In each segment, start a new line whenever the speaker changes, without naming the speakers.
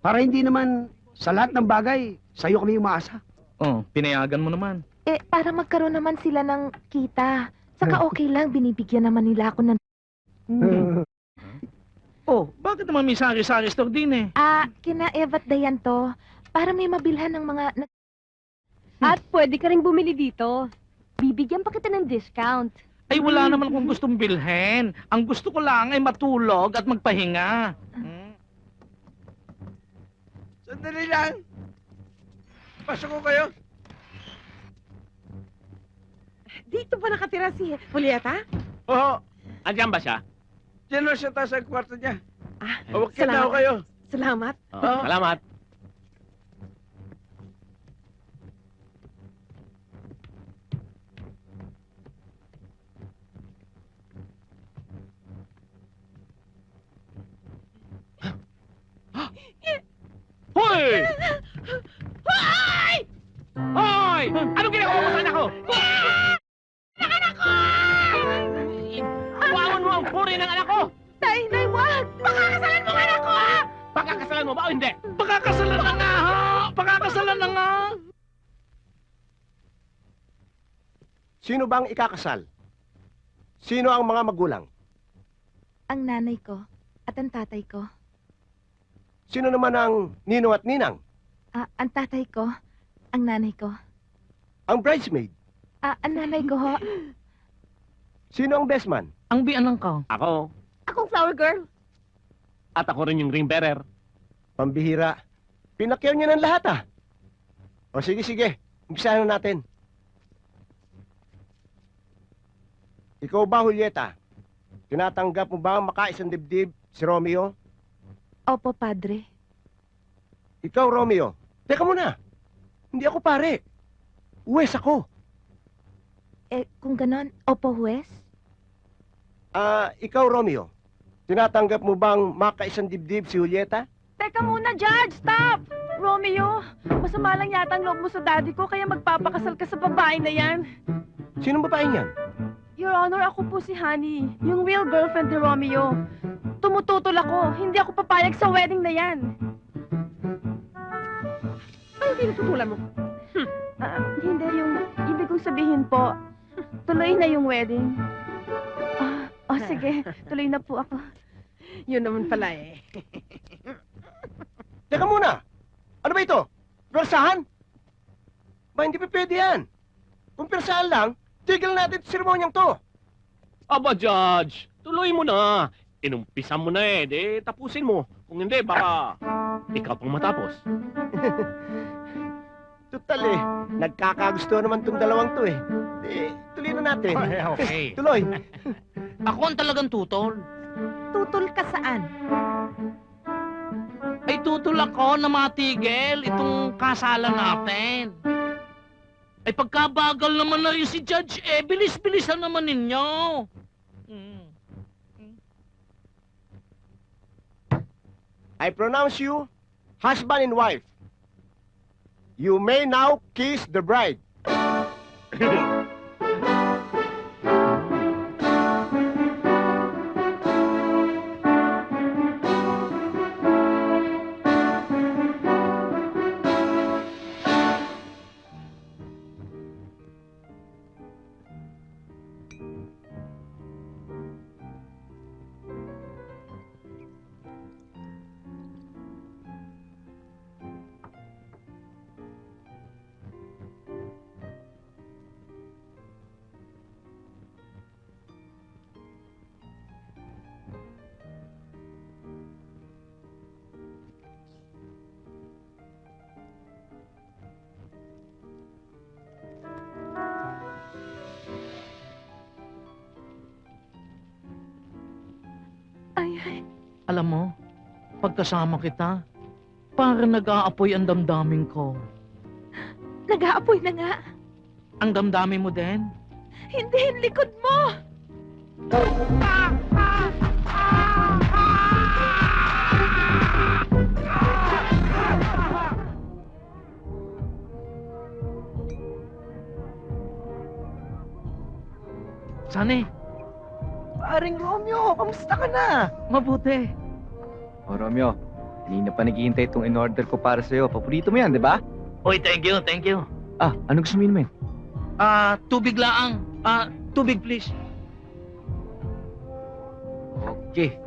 Para hindi naman sa lahat ng bagay, sa'yo kami umaasa.
Oh, pinayagan mo naman.
Eh, para magkaroon naman sila ng kita. Saka okay lang, binibigyan naman nila ako ng...
Oh, bakit naman may sari-sari store din eh?
Kina Eva't Dayan to. Para may mabilhan ng mga...
At pwede ka rin bumili dito. Bibigyan pa kita ng discount.
Ay, wala naman akong gustong bilhin. Ang gusto ko lang ay matulog at magpahinga.
Sandali lang. Pasok ko kayo.
Dito ba nakatira si Julieta?
Oo.
Andiyan ba siya?
Diyan lang siya tayo sa kwarto niya.
Ah,
Huwag na ako kayo.
Salamat.
Oo.
Salamat. Hoy! Hoy! Hoy! Anong ginagawa mo sa anak ko? Anak ko! Buwangon mo ang puri ng anak ko!
Nay, wag!
Pakakasalan mo ang anak ko!
Pagkakasalan mo ba o hindi?
Pakakasalan na nga ho! Pakakasalan na nga!
Sino bang ikakasal? Sino ang mga magulang?
Ang nanay ko at ang tatay ko.
Sino naman ang ninong at ninang?
Ang tatay ko, ang nanay ko.
Ang bridesmaid?
Ang nanay ko ho.
Sino ang best man?
Ang bianang ka.
Ako.
Akong flower girl.
At ako rin yung ring bearer.
Pambihira. Pinakyaw niya ng lahat O sige. Umpisahan na natin. Ikaw ba, Julieta? Tinatanggap mo ba ang makaisang dibdib si Romeo?
Opo, padre.
Ikaw, Romeo. Teka muna. Hindi ako pare. Uwes ako.
Kung ganon, opo, huwes?
Ikaw, Romeo. Tinatanggap mo bang makaisang dibdib si Julieta?
Teka muna, Judge! Stop! Romeo, masama lang yata ang loob mo sa daddy ko, kaya magpapakasal ka sa babae na yan.
Sinong babae niyan?
Your Honor, ako po si Honey, yung real girlfriend ni Romeo. Tumututol ako, hindi ako papayag sa wedding na yan.
Ay, tinututulan mo.
Hindi, yung ibig kong sabihin po, tuloy na yung wedding. Sige, tuloy na po ako.
Yun naman pala eh.
Teka muna. Ano ba ito? Persahan? Ba, hindi pa pwede yan. Kung persahan lang, tigil natin sa seremonyang to.
Aba, Judge, tuloy mo na. Inumpisan mo na eh, di tapusin mo. Kung hindi, baka ikaw pang matapos.
Tutal nagkakagusto naman tong dalawang to eh. Tuloy na natin.
Okay.
Tuloy.
Ako ang talagang tutol.
Tutol ka saan?
Ay tutol ako na matigil itong kasalan natin. Ay pagkabagal naman na rin si Judge, bilis-bilisan naman ninyo.
I pronounce you husband and wife. You may now kiss the bride.
Alam mo, pagkasama kita, parang nag-aapoy ang damdamin ko.
Nag-aapoy na nga.
Ang damdamin mo din?
Hindi, yung likod mo!
Sane,
Paring Romeo, kamusta ka na?
mabuti.
O Romeo, Kanina pa naghihintay itong in-order ko para sa'yo. Paborito mo yan, di ba?
Oy, thank you, thank you.
Ano gusto mo inumin?
Tubig laang. Tubig please.
Okay.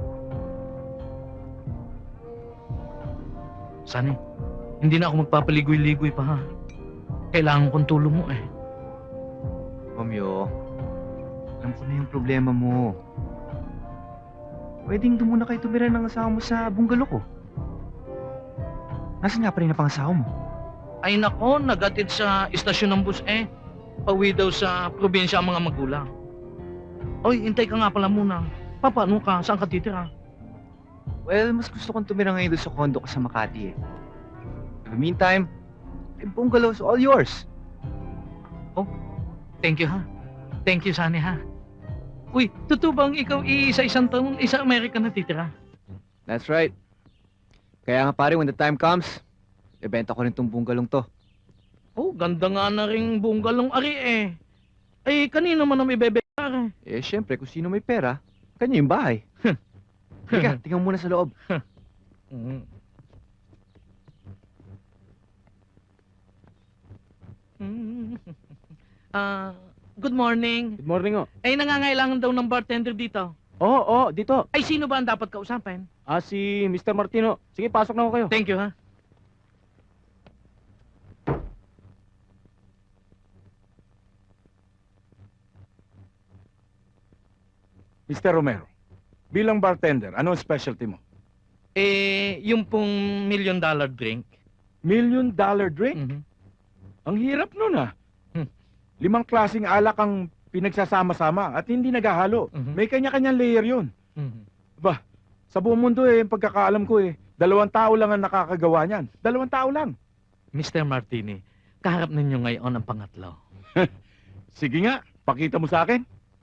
Sani, hindi na ako magpapaligoy-ligoy pa ha. Kailangan kong tulong mo eh.
Romeo, alam ko na yung problema mo. Pwedeng doon muna kayo tumira ng asawa mo sa bungalow ko. Nasaan nga pa rin ang pangasawa mo?
Ay nako, nagatid sa istasyon ng bus eh. Pauwi daw sa probinsya ang mga magulang. Oy, hintay ka nga pala muna. Paano ka? Saan ka titira?
Well, mas gusto kong tumira ngayon doon sa condo ko sa Makati eh. In the meantime, yung bungalow is all yours.
Thank you ha. Thank you, Sani ha. Uy, totoo bang ikaw isa-isang taon, isa Amerika na titira?
That's right. Kaya nga pare, when the time comes, ibenta ko rin tong bungalow to.
Oh, ganda nga na rin bunggalong ari eh. Ay, kanino man ang ibebenta eh?
Syempre, kung sino may pera, kanya yung bahay. Teka, tingnan mo muna sa loob.
Good morning.
Good morning, oh.
Ay, nangangailangan daw ng bartender dito.
Oo, dito.
Ay, sino ba ang dapat kausapin?
Si Mr. Martino. Sige, pasok na ako kayo.
Thank you, ha?
Mr. Romero, bilang bartender, ano ang specialty mo?
Yung pong $1 million drink.
$1 million drink?
Mhm.
Ang hirap nun ah.
Hmm.
5 klaseng alak ang pinagsasama-sama at hindi naghahalo.
Mhm.
May kanya-kanyang layer yun.
Mhm.
Sa buong mundo pagkakaalam ko 2 tao lang ang nakakagawa niyan. 2 tao lang.
Mr. Martini, kaharap ninyo ngayon ang pangatlo.
Sige nga, pakita mo sa akin.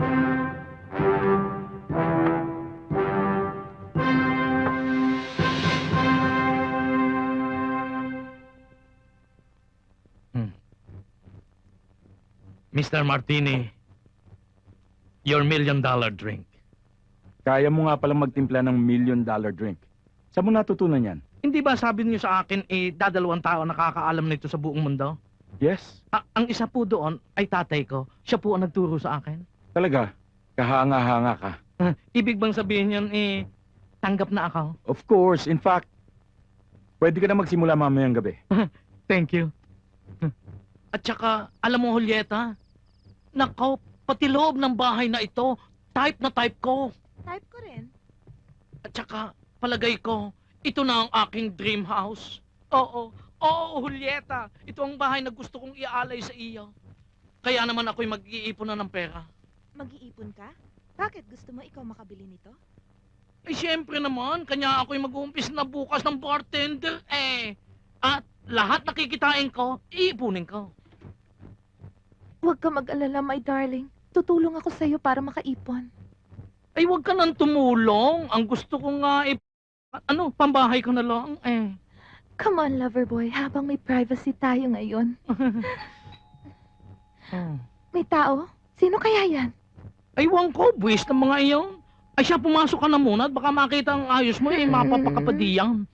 Mr. Martini, your $1 million drink.
Kaya mo nga palang magtimpla ng $1 million drink. Saan mo natutunan yan?
Hindi ba sabi niyo sa akin, 2 tao nakakaalam nito sa buong mundo?
Yes,
Ang isa po doon ay tatay ko. Siya po ang nagturo sa akin.
talaga. Kahanga-hanga ka.
Ibig bang sabihin yan, tanggap na ako?
Of course, in fact, pwede ka na magsimula mamayang gabi.
Thank you. At saka, alam mo, Julieta, nako, pati loob ng bahay na ito, type na type ko.
Type ko rin.
At saka, palagay ko, ito na ang aking dream house. Oo, Julieta, ito ang bahay na gusto kong iaalay sa iyo. Kaya naman ako'y mag-iipon na ng pera.
Mag-iipon ka? Bakit gusto mo ikaw makabili nito?
Ay, siyempre naman, kanya ako'y mag-uumpis na bukas ng bartender, At lahat nakikitain ko, iipunin ko.
Huwag ka mag-alala, my darling. Tutulong ako sa'yo para makaipon.
Ay, huwag ka nang tumulong. Ang gusto ko nga, pambahay ko na lang,
Come on, lover boy, habang may privacy tayo ngayon. May tao? Sino kaya yan?
Ay, wang ko, buwis ng mga iyon. Ay, siya, pumasok ka na muna at baka makita ang ayos mo, mapapakapadiyan.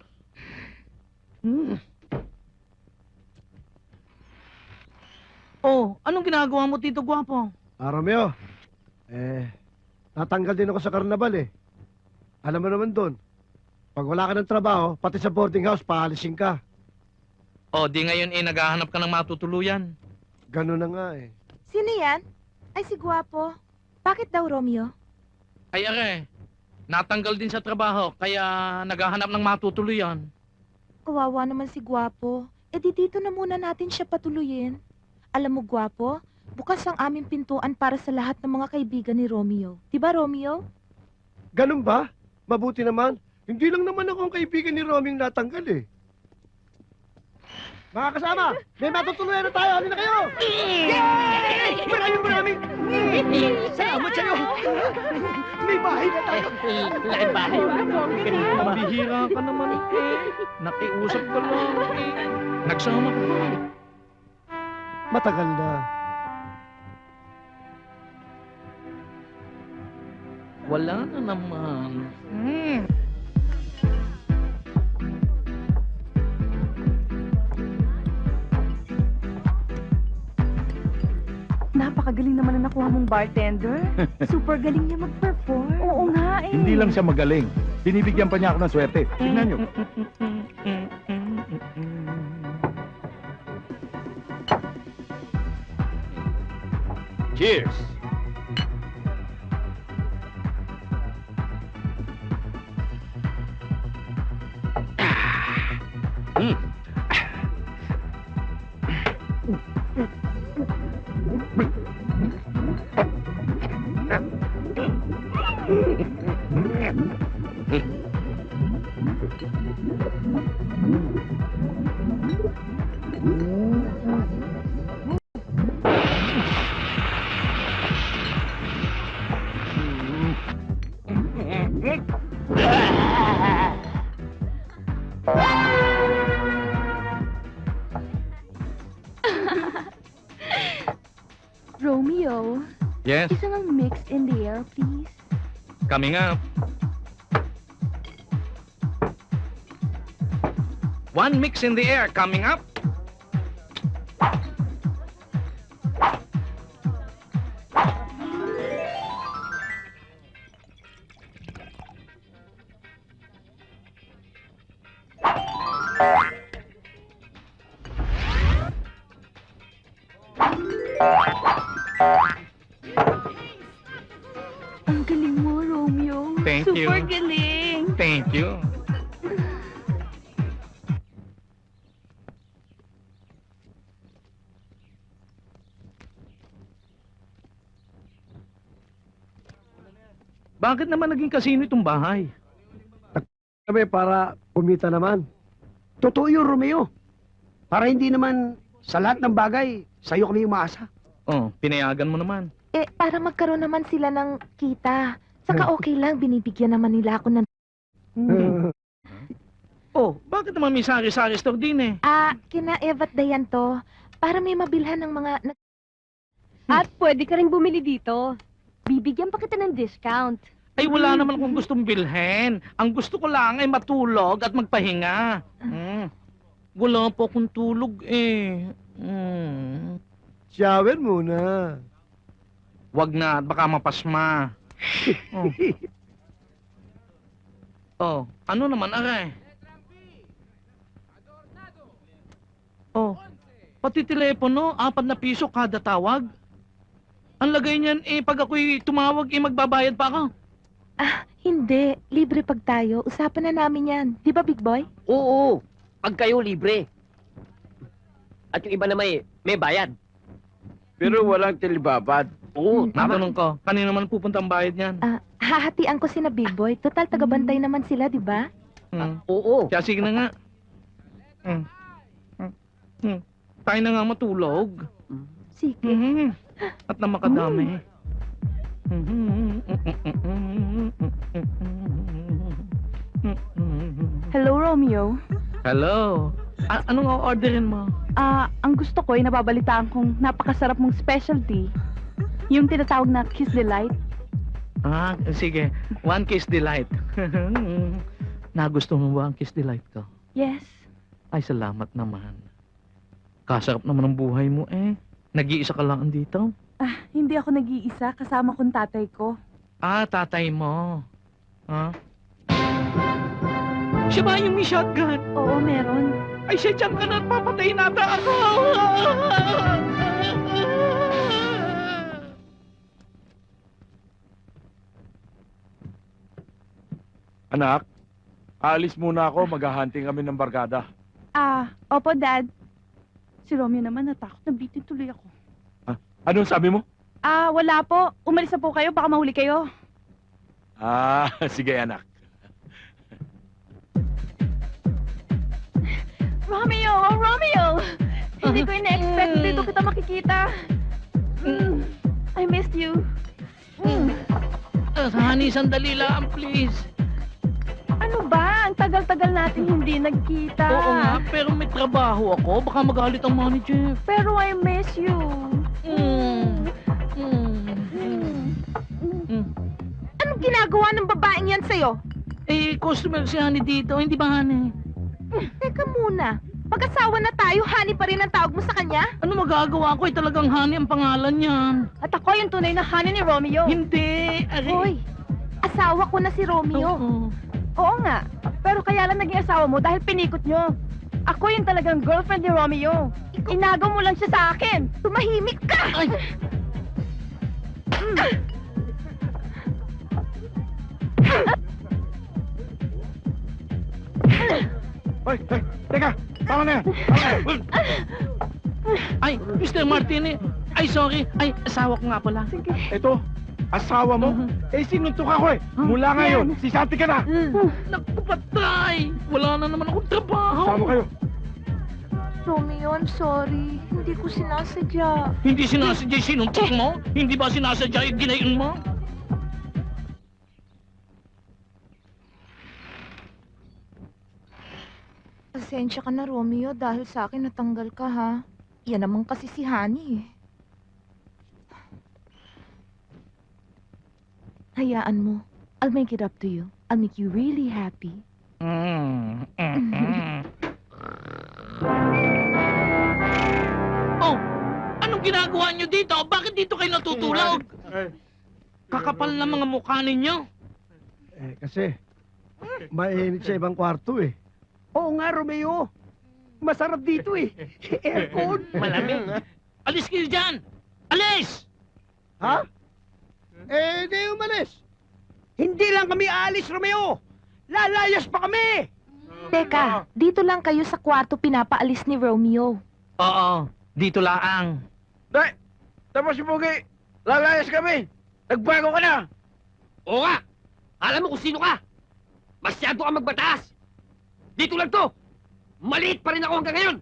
Oh, anong ginagawa mo, Tito Gwapo?
Romeo, natanggal din ako sa karnabal eh. Alam mo naman doon, pag wala ka ng trabaho, pati sa boarding house, paalisin ka.
Oh, di ngayon naghahanap ka ng matutuluyan.
Ganun na nga eh.
Sino yan? Ay, si Gwapo. Bakit daw, Romeo?
Ay, natanggal din sa trabaho, kaya naghahanap ng matutuluyan.
Kawawa naman si Gwapo. Di dito na muna natin siya patuluyin. Alam mo, Gwapo, bukas ang aming pintuan para sa lahat ng mga kaibigan ni Romeo. Diba, Romeo?
Ganun ba? Mabuti naman. Hindi lang naman ako ang kaibigan ni Romeo yung natanggal eh. Mga kasama, may matutuluyan na tayo. Halina kayo! Yay! Maraming! Salamat sa'yo! May bahay na tayo!
Laking bahay. Mabihira ka naman, Nakiusap ka lang, Nagsama ko pa.
Matagal na.
Wala na naman.
Napakagaling naman na nakuha mong bartender.
Super galing niya mag-perform.
Oo nga eh.
Hindi lang siya magaling. Binibigyan pa niya ako ng swerte. Tingnan niyo.
Cheers!
Romeo,
Yes,
isang mix in the air, please.
coming up. One mix in the air coming up.
Ang galing mo, Romeo.
Thank you.
Super galing.
Thank you.
Bakit naman naging kasino itong bahay?
Kami para kumita naman. Totoo yun, Romeo. Para hindi naman sa lahat ng bagay, sa'yo kami umaasa.
Oh, pinayagan mo naman.
Eh, para magkaroon naman sila ng kita. Saka okay lang, binibigyan naman nila ako ng...
Oh, bakit naman may sari-sari store din eh?
Kina Eva't Dayan to. Para may mabilhan ng mga...
At pwede ka rin bumili dito. Bibigyan pa kita ng discount.
Ay, wala naman akong gustong bilhin. Ang gusto ko lang ay matulog at magpahinga. Wala po akong tulog eh.
Shower muna.
Wag na, baka mapasma. Oh, ano naman, aray? Oh, pati telepono, 4 na piso kada tawag. Ang lagay niyan eh, pag ako'y tumawag eh, magbabayad pa ako.
Hindi. Libre pag tayo. Usapan na namin yan. Di ba, Big Boy?
Oo, pag kayo libre. At yung iba na may bayad.
Pero walang tilibabad.
Oo, tama.
Natanong ko, kanino naman pupunta ang bayad niyan?
Hahatian ko sina Big Boy. Total, tagabantay naman sila, di ba?
Oo.
Kaya sige na nga. Tayo na nga matulog.
Sige.
At na makadami.
Hello, Romeo.
Hello. Anong o-orderin mo?
Ang gusto ko ay nababalitaan kong napakasarap mong specialty. Yung tinatawag na Kiss Delight.
Sige. 1 Kiss Delight. Nagusto mo ba ang Kiss Delight ko?
Yes.
Ay, salamat naman. Kasarap naman ang buhay mo eh. Nag-iisa ka lang andito.
Hindi ako nag-iisa. Kasama kong tatay ko.
Tatay mo. Siya ba yung may shotgun?
Oo, meron.
Ay, siya dyan ka na at papatayin nata ako!
Anak, alis muna ako. Maghahunting kami ng barkada.
Opo, Dad. Si Romeo naman natakot. Nabitin tuloy ako.
Anong sabi mo?
Wala po. Umalis na po kayo. Baka mahuli kayo.
Sige anak.
Romeo! Romeo! Hindi ko ina-expect dito kita makikita. I missed you.
Honey, sandali lang, please.
Ano ba? Ang tagal-tagal natin hindi nagkita.
Oo nga, pero may trabaho ako. Baka magalit ang manager.
Pero I miss you.
Anong ginagawa ng babaeng yan sa'yo?
Eh, customer si Honey dito. Hindi ba, Honey?
Teka muna. Pag-asawa na tayo, honey pa rin ang tawag mo sa kanya?
Ano magagawa ko? Talagang Honey ang pangalan niyan.
At ako yung tunay na honey ni Romeo.
Hindi.
Hoy, asawa ko na si Romeo.
Oo.
Oo nga. Pero kaya lang naging asawa mo dahil pinikot nyo. Ako yung talagang girlfriend ni Romeo. Inagaw mo lang siya sa akin.
Tumahimik ka!
Ay,
Hoy, teka! Tama na yan! Tama na yan!
ay, Mr. Martini. Ay, sorry. Ay, asawa ko nga pala.
Ito, asawa mo? Eh, sinuntok ako eh! Mula ngayon, sisati ka na!
Naku, patay. Wala na naman akong trabaho.
Sama kayo!
Romeo, I'm sorry. Hindi ko sinasadya.
Hindi sinasadya sinuntok mo? Hindi ba sinasadya yung ginayon mo?
Pasensya ka na, Romeo, dahil sa akin natanggal ka, ha? Yan naman kasi si Honey, eh. Hayaan mo. I'll make it up to you. I'll make you really happy.
Oh, anong ginagawa niyo dito? Bakit dito kayo natutulog? Kakapal na mga mukha ninyo.
Eh, kasi, mainit sa ibang kwarto eh. Oo nga, Romeo. Masarap dito eh. Aircon.
Malamig. Alis kayo dyan! Alis!
Ha? Eh, di umalis. Hindi lang kami aalis, Romeo. Lalayas pa kami.
Teka, dito lang kayo sa kwarto pinapaalis ni Romeo.
Oo, dito laang.
Day! Tapos si Pugi! Lalayas kami! Nagbago ka na!
Oo nga! Alam mo kung sino ka! Masyado ka magbataas! Dito lang to! Maliit pa rin ako hanggang ngayon!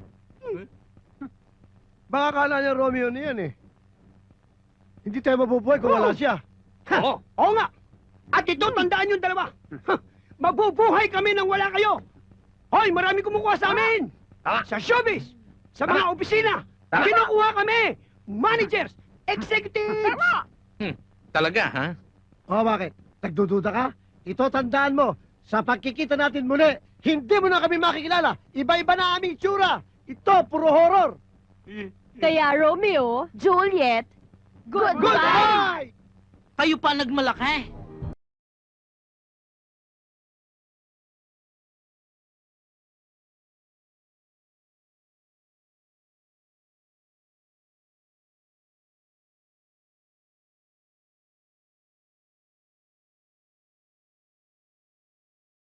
Baka kala niya Romeo na yan eh. Hindi tayo mabubuhay kung wala siya.
Oo!
Oo nga! At ito, tandaan yung dalawa. Mabubuhay kami nang wala kayo. Hoy, marami kumukuha sa amin. Sa showbiz, sa mga opisina. Kinukuha kami. Managers, executives.
Talaga, ha?
Oh, bakit? Nagdududa ka? Ito, tandaan mo. Sa pagkikita natin muli, hindi mo na kami makikilala. Iba-iba na aming tsura. Ito, puro horror.
Kaya Romeo,
Juliet,
Goodbye!
Kayo pa nagmalaki.